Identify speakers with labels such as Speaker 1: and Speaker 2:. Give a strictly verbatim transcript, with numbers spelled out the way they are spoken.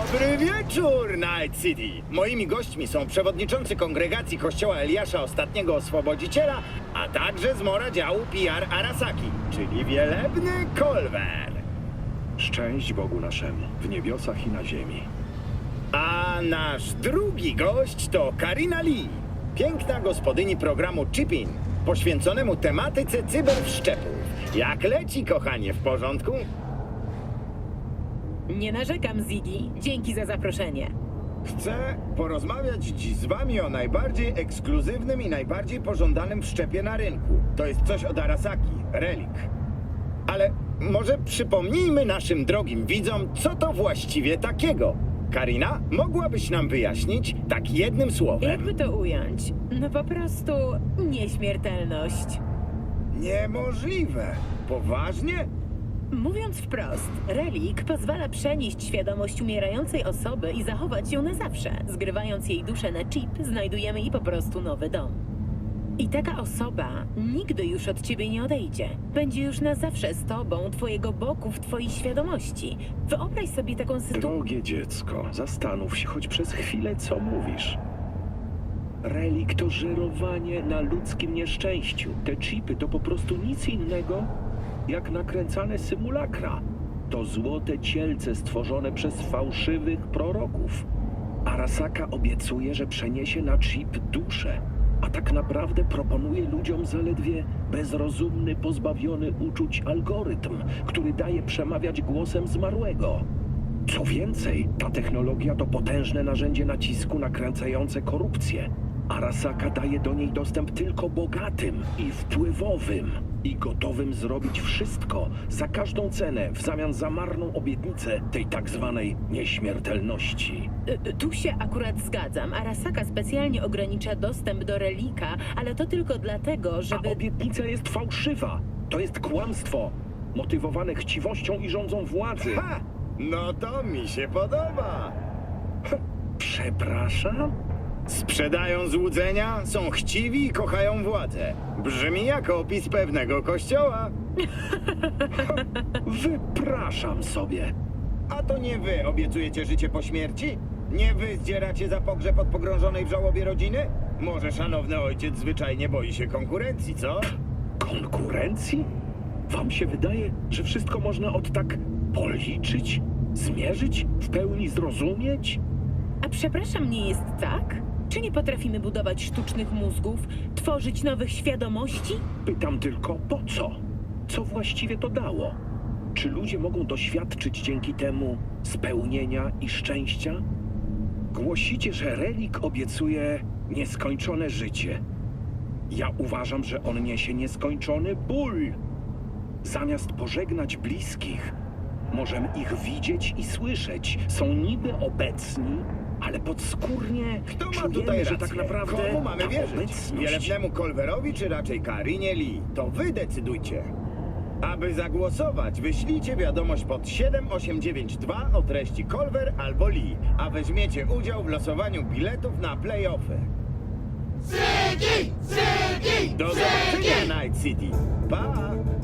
Speaker 1: Dobry wieczór, Night City! Moimi gośćmi są przewodniczący kongregacji Kościoła Eliasza Ostatniego Oswobodziciela, a także zmora działu P R Arasaki, czyli wielebny Kolwer.
Speaker 2: Szczęść Bogu naszemu, w niebiosach i na ziemi.
Speaker 1: A nasz drugi gość to Karina Lee, piękna gospodyni programu Chip-In, poświęconemu tematyce cyberwszczepów. Jak leci, kochanie, w porządku?
Speaker 3: Nie narzekam, Ziggy. Dzięki za zaproszenie.
Speaker 1: Chcę porozmawiać dziś z wami o najbardziej ekskluzywnym i najbardziej pożądanym wszczepie na rynku. To jest coś od Arasaki, Relic. Ale może przypomnijmy naszym drogim widzom, co to właściwie takiego. Karina, mogłabyś nam wyjaśnić tak jednym słowem?
Speaker 3: Jakby to ująć? No po prostu nieśmiertelność.
Speaker 1: Niemożliwe. Poważnie?
Speaker 3: Mówiąc wprost, Relic pozwala przenieść świadomość umierającej osoby i zachować ją na zawsze. Zgrywając jej duszę na chip, znajdujemy jej po prostu nowy dom. I taka osoba nigdy już od ciebie nie odejdzie. Będzie już na zawsze z tobą, twojego boku, w twojej świadomości. Wyobraź sobie taką sytuację.
Speaker 2: Drogie dziecko, zastanów się choć przez chwilę, co mówisz. Relik to żerowanie na ludzkim nieszczęściu. Te chipy to po prostu nic innego jak nakręcane symulakra. To złote cielce stworzone przez fałszywych proroków. Arasaka obiecuje, że przeniesie na chip duszę, a tak naprawdę proponuje ludziom zaledwie bezrozumny, pozbawiony uczuć algorytm, który daje przemawiać głosem zmarłego. Co więcej, ta technologia to potężne narzędzie nacisku nakręcające korupcję. Arasaka daje do niej dostęp tylko bogatym i wpływowym i gotowym zrobić wszystko za każdą cenę w zamian za marną obietnicę tej tak zwanej nieśmiertelności.
Speaker 3: Y, Tu się akurat zgadzam. Arasaka specjalnie ogranicza dostęp do Relika, ale to tylko dlatego,
Speaker 2: A
Speaker 3: żeby...
Speaker 2: obietnica jest fałszywa. To jest kłamstwo, motywowane chciwością i rządzą władzy.
Speaker 1: Ha! No to mi się podoba.
Speaker 2: Przepraszam?
Speaker 1: Sprzedają złudzenia, są chciwi i kochają władzę. Brzmi jak opis pewnego kościoła.
Speaker 2: Wypraszam sobie.
Speaker 1: A to nie wy obiecujecie życie po śmierci? Nie wy zdzieracie za pogrzeb od pogrążonej w żałobie rodziny? Może szanowny ojciec zwyczajnie boi się konkurencji, co?
Speaker 2: Konkurencji? Wam się wydaje, że wszystko można od tak policzyć, zmierzyć, w pełni zrozumieć?
Speaker 3: A przepraszam, nie jest tak? Czy nie potrafimy budować sztucznych mózgów, tworzyć nowych świadomości?
Speaker 2: Pytam tylko po co? Co właściwie to dało? Czy ludzie mogą doświadczyć dzięki temu spełnienia i szczęścia? Głosicie, że Relik obiecuje nieskończone życie. Ja uważam, że on niesie nieskończony ból. Zamiast pożegnać bliskich, możemy ich widzieć i słyszeć. Są niby obecni, ale podskórnie
Speaker 1: Kto ma
Speaker 2: czujemy,
Speaker 1: tutaj
Speaker 2: że
Speaker 1: rację?
Speaker 2: tak naprawdę
Speaker 1: Komu mamy
Speaker 2: ta
Speaker 1: wierzyć?
Speaker 2: obecność...
Speaker 1: Wielebnemu Kolwerowi czy raczej Karinie Lee? To wy decydujcie. Aby zagłosować, wyślijcie wiadomość pod siedem osiem dziewięć dwa o treści Kolwer albo Lee, a weźmiecie udział w losowaniu biletów na play-offy.
Speaker 4: Ziggy! Ziggy!
Speaker 1: Do zobaczenia, Night City! Pa!